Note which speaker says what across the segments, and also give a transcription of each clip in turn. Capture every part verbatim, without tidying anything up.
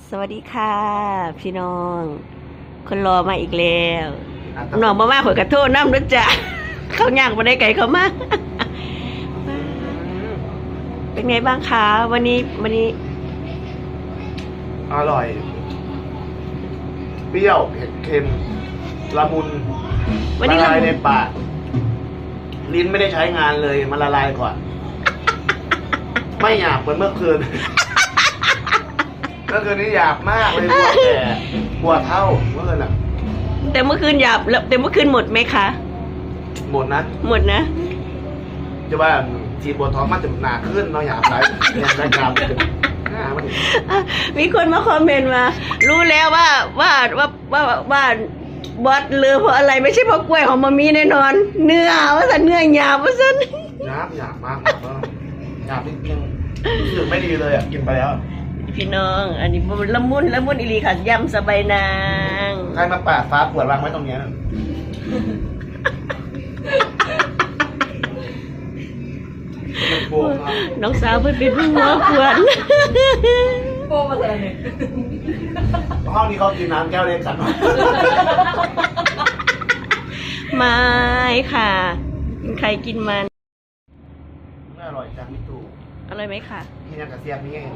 Speaker 1: สวัสดีค่ะพี่น้องคนรอมาอีกแล้วน้องมาว่าขอยกระโทษน้ำนะจ๊ะเขาย่างมาได้ไก่เขามากเป็นไงบ้างคะวันนี้วันนี้
Speaker 2: อร่อยเปรี้ยวเผ็ดเค็มละมุนละลายในปากลิ้นไม่ได้ใช้งานเลยมันละลายก่อนไม่หยาบเหมือนเมื่อคืนเมื่อคืนนี้หยาบมากเลยปวดแก่ปวดเท่าเมื่อคืนอ่ะ
Speaker 1: แต่เมื่อคืนหยาบแล้วแต่เมื่อคืนหมดไหมคะ
Speaker 2: หมดนะ
Speaker 1: หมดนะ
Speaker 2: จะว่าฉีดบนท้องมันจะหนาขึ้นเนาะหยาบไรยังได้กราม
Speaker 1: มีคนมาคอมเมนต์มารู้แล้วว่าว่าว่าว่าว่าบอสเลือเพราะอะไรไม่ใช่เพราะกล้วยของมามีแน่นอนเนื้อว่าสันเนื้อหยาบว่าสัน
Speaker 2: หยาบหยาบมากหยาบนิดนึงรู้สึกไม่ดีเลยอ่ะกินไปแล้ว
Speaker 1: พี่น้องอันนี้ละมุนละมุนอีหลีค่ะยำสบายนาง
Speaker 2: ใครมาปาดฟ้าขวดวางไว้ตรงนี้
Speaker 1: น้องสาวเพิ่งเป็นผู้หัวขวด
Speaker 3: โป้มาเลย
Speaker 2: ห้องนี้เขากินน้ำแก้วเล็กกัน
Speaker 1: ไม่ค่ะใครกินมัน
Speaker 2: ไม่อร่อยจังมิตู
Speaker 1: อร่อยไหมค่ะ
Speaker 2: กินยังกระเซียมนี่ไง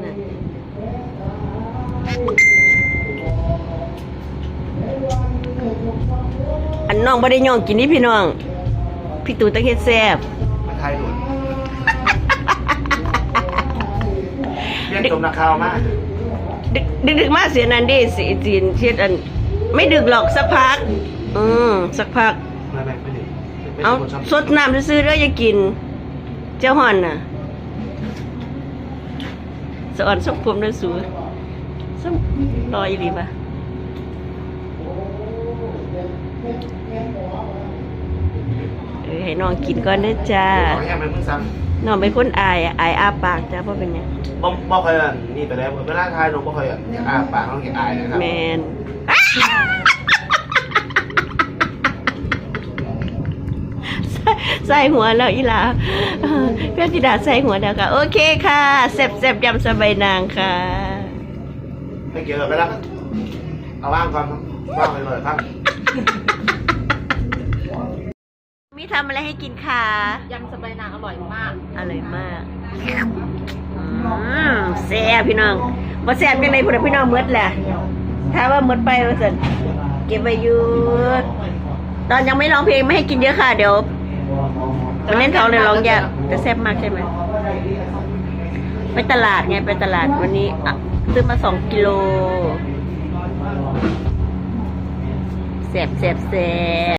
Speaker 1: อันน้องบ่ได้ย่องกินนี่พี่น้องพี่ตู่ตะเฮ็ดแซ่บ
Speaker 2: มาไทยดุนเรียกจมนาคาวมาก
Speaker 1: ดึกดึกดึกมากเสียนันดิสีจีนเช็ดอันไม่ดึกหรอกสักพักอืมสักพัก
Speaker 2: ไม่ไม่ไม่ดึก
Speaker 1: เอาสดน้ำซื้อๆแล้วอย่ากินเจ้าห่อนน่ะสะอ่อนสักผมด้วยสูสักรอยดีป่ะเออให้น้องกินก่อนนะจ้าน้องเป็นคนอายอายอาปากจ้าเพราะเป็นไง
Speaker 2: บ่บ่เคยอ่ะนี่ไปแล้วเวลาทายน้องบ่เคยอ่ะอยากอาปากน้องอยากอายนะครับ
Speaker 1: แมนใส่หัวแล้วอีหลาเพื่อนธิดาใส่หัวแล้วค่ะโอเคค่ะแซ่บแซ่บยำสบายนางค่ะ
Speaker 2: ไม่เกี่ยวกับไปแล้วเอาว่างก่อนว่างไปเลยครับ
Speaker 1: มีทำอะไรให้กินค่ะ
Speaker 3: ยำสบายนางอร่อยมาก
Speaker 1: อร่อยมากแซ่บพี่น้องมาแซ่บยังไงพวกพี่น้องมืดแหละถ้าว่ามืดไปว่าสิเก็บไว้อยู่ตอนยังไม่ร้องเพลงไม่ให้กินเยอะค่ะเดี๋ยววันนี้เขาเลยร้องยากแต่แซ่บมากใช่ไหมไปตลาดไงไปตลาดวันนี้ซื้อมาสองกิโลแซ่บแซ่บแซ่บ